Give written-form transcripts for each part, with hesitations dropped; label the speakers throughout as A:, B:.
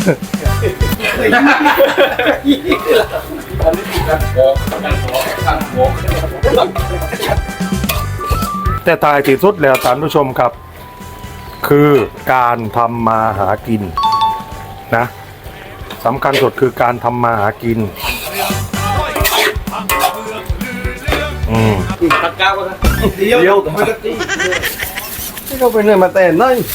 A: แต่ตายที่สุดแล้วท่านผู้ชมครับคือการทำมาหากินนะสำคัญสุดคือการทำมาหากิน
B: ตัดก้าวก็ได้เดียวไม่ก็ตี
C: ที่เขาไปเหนื่อยมาแต่นั่น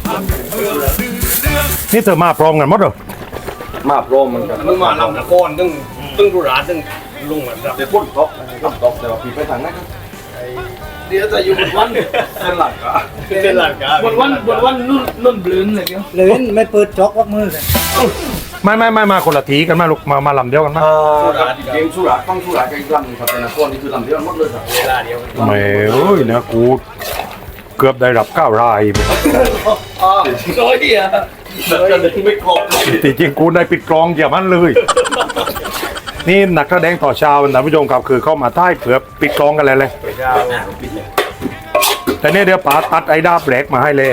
A: นี่เธอมาพร้อมกันหมดเหรอ
C: มาโปรมันกัน
B: มึงมาลำนครตึ้งดุราตึ้งลุงเหมือนแบบ
C: เดี๋ยวพ่นต๊อกต๊อกแต่ว่าพี่ไปทางนั้นครับ
B: เดี๋ยวจะอยู่บนวัน
C: เป็นหลักอะ
B: เป็นหลักการบนวันนุ่นบลื้นเลยเดียว
D: เลยไม่เปิดจ็อกวักมือเลย
A: ไม่มาคนละทีกันมาลูกมาลำเดียวกันมา
C: สุราเกมสุราต้องสุรากับอีกลำหนึ่งครับแต่นครนี่คือลำเดียวหมดเลยครับ
B: เวลาเดียว
A: ไม่เอ้ยเนี่ยกูเกือบได้รับ9 ราย
B: อ๋อโอ้ยอ่ะ
C: จะดึงไม่ครบ
A: จริงๆกูได้ปิดกลองอย่ามันเลย นี่นักแสดงต่อชาวท่านผู้ชมครับคือเข้ามาท้ายเผื่อปิดกลองกันเลย
B: ไปดาวปิดเลย
A: แต่เนี่ยเดี๋ยวป๋าตัดไอ้ดาบแหลกมาให้เลย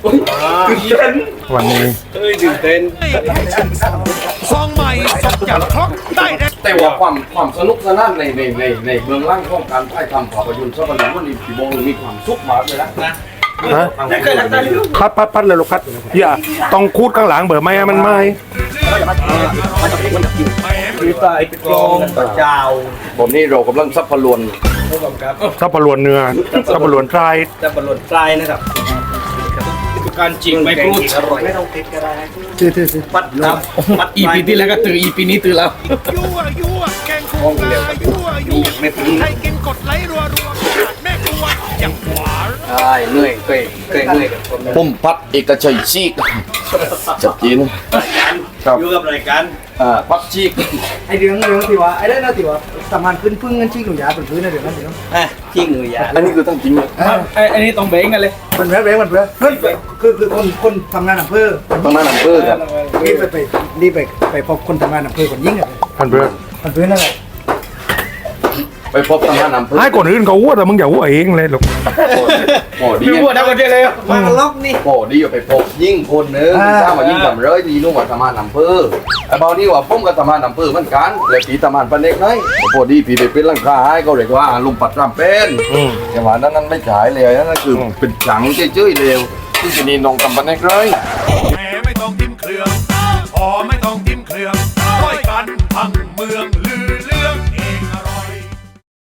A: วันนี้
B: เฮ้ยตื่นเต้น
E: ซองใหม่สดอย่างครบได้แน่
C: แต่ว่าความสนุกสนานในเบื้องล่างของการถ่ายทำภาพยนตร์สัปดาห์วันนี้พี่โบมีความสุขมากเลยนะ
A: ฮะพัดเลยลูกพัดอย่าต้องคูดข้างหลังเบอร์ไม่ให้มันไหม
B: มีไฟปิดกลองตะจาว
C: ผมนี่เรากำลังซับพลวน
B: ผู้กำกับ
A: ซับปะรวนเนื้อซับปะรวนไตร
B: จะบรรลุทรายนะครับการจริงไม่พูดอร่อย
D: ไม่ต้องติดก็ได้ถือ
B: ปัดน้ำปัดอีพีที่แล้วก็ตื่นอีพีนี้ตื่นแล้ว
E: ยั่วแกงคั่วปลายั่วให้กินกดไลค์รัวแม่ครัวอย่างหวาน
B: ใช่เหนื่อยเคยเหนื่อยกับคน
C: ผมพัดเอกชัยชีกจัดจีน ครับ
B: อยู่กับรายการ
C: พัดชีก
D: ไอเรื่องที่ว่าไอ้ได้นะที่ว่าสมานขึ้นพึ่งเงินชี้หนูยาเป็นพื้นนะเดี๋ยวนั้นเดี๋ยว
B: ที่หนูยา
C: อันนี้คือตั้งจริงเลย
B: อันนี้ต้องเบ้งกันเลย
D: มันแวะมันเพื่อคือคนทำงานอำเภอ
C: ต้องนั่นอำเภอครับ
D: นี่ไปพบคนทำงานอำเภอคนยิ่งอ่ะ
A: พันเพื่อน
D: มันพื้นนั่นแหละ
C: ไปพบทางด้านอำเภอ
A: ให้คนอื่นเขาอ้วแต่มึงอย่าอ้วเองเลยลูก
C: โอ้ดี
B: พี่พูดทั้งประเทศเลย
D: มาล็อกนี่
C: โอ้ดีอยู่ไปพบยิ่งคนนึงถ้ามายิ่งทำเลยดีนู่นว่าทำงานอำเภอไอ้เบานี่ว่าผมก็ทำงานอำเภอเหมือนกันเลยปีทำงานปันเด็กน้อยพอดีพี่ไปเป็นร่างกายก็เลยว่าลุงปัดรำเป็นแต่ว่านั้นไม่ขายเลยนั่นคือเป็นจังเจ้ยๆเร็วที่จะนี่นองทำปันเด็กเลย
E: แหมไม่ต้องกินเครื่องพอไม่